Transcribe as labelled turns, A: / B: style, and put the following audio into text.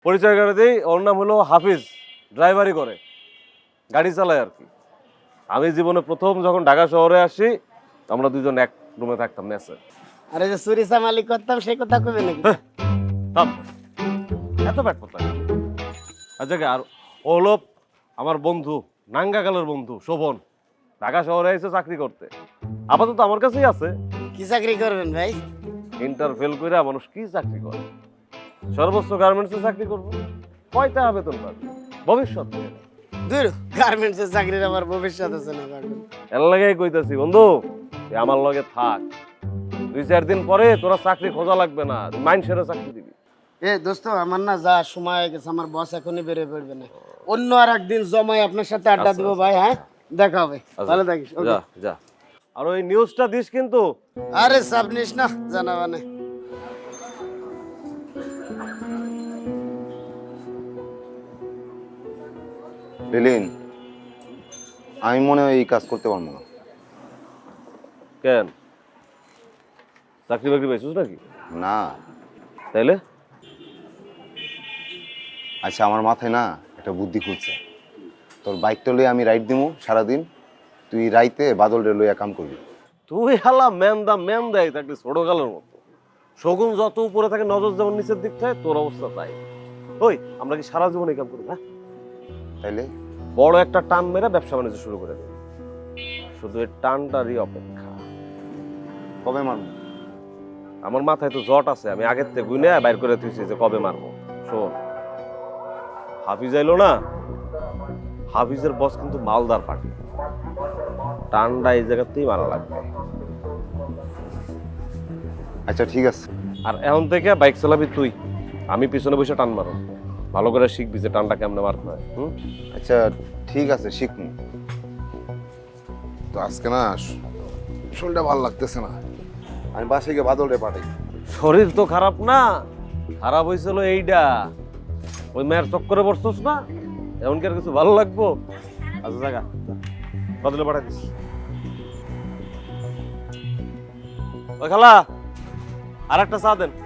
A: পরিচয় করে দিই, ওর নাম হলো হাফিজ, ড্রাইভারি করে, গাড়ি চালায় আর কি। আমি জীবনে প্রথম যখন ঢাকা শহরে আসি, আমরা দুজন এক রুমে থাকতাম মেসে।
B: আরে যে চুরি চামালি করতাম সেই কথা কবে নাকি?
A: থাম, এত ব্যাট কথা। আচ্ছা আর ও হলো আমার বন্ধু, নাঙ্গাকালের বন্ধু শোভন, ঢাকা শহরে এসে চাকরি করতে। আপাতত আমার কাছেই আছে।
B: কি চাকরি করবেন ভাই?
A: ইন্টার ফেল করে মানুষ কি চাকরি করে? সর্বোচ্চ গার্মেন্টসে চাকরি করবো, কয়টা বেতন পাবে ভবিষ্যৎ নিয়ে।
B: দূর, গার্মেন্টসের চাকরির আমার ভবিষ্যৎ আছে না পারবেন।
A: এর লাগেই কইতাছি বন্ধু, তুই আমার লগে থাক, 2-4 দিন পরে তোরা চাকরি খোঁজা লাগবে না, মাইন্ড সেরে চাকরি দিবি।
B: এ দোস্ত, আমার না যা সময় হয়ে গেছে, আমার বস এখনই বেরিয়ে পড়বে না। অন্য আর একদিন জমাই আপনার সাথে আড্ডা দিব ভাই। হ্যাঁ, দেখা হবে। ভালো থাকিস।
A: যা যা, আর ওই নিউজটা দিস কিন্তু।
B: আরে চাপ নিস না, জানাবা না।
C: লিলিন, আমি মনে হয় এই কাজ করতে পারবো না।
A: কেন, চাকরি বাকরি পাইছিস নাকি?
C: না।
A: তাইলে
C: আচ্ছা, আমার মাথায় না একটা বুদ্ধি খুঁজছে। তোর বাইকটা লইয়ে আমি রাইড দিমু সারাদিন, তুই রাইতে বাদল রে লইয়া কাম করবি।
A: তুই হালা ম্যান দেয় থাকলি ছোট কালের মতো। শগুন যত উপরে থাকে, নজর যেমন নিচের দিক থাকে, তোর অবস্থা তাই। ওই আমরা কি সারা জীবন এই কাম করি? হ্যাঁ,
C: তাইলে
A: বড় একটা টান মেরে ব্যবসা বাণিজ্য শুরু করে দেবে। শুধু এই টানটারই অপেক্ষা।
C: কবে মারবো?
A: আমার মাথায় তো জট আছে, আমি আগের থেকে গুনে বাইর করে তুইছি যে কবে মারবো। শোন, হাফিজ আইলো না, হাফিজের বস কিন্তু মালদার পার্টি, টানটা এই জায়গাতেই মারা লাগবে।
C: আচ্ছা ঠিক আছে।
A: আর এখন থেকে বাইক চালাবি তুই, আমি পিছনে বসে টান মারো, ভালো করে শিখবি যে টানটা কেমনে মারতে হয়।
C: আচ্ছা ঠিক আছে, শিখমু। তো আজকে না শরীরটা ভালো লাগতেছে না, আমি বাসায় গিয়ে বাদল রে পাঠাই।
A: শরীর তো খারাপ না, খারাপ হয়েছিল এইটা, ওই মেয়ের চক্করে বসছস না, এমনকি আর কিছু ভালো লাগবো? আচ্ছা জায়গা বদলে পাঠাই দিস। ওই খালা, আর একটা চা দেন।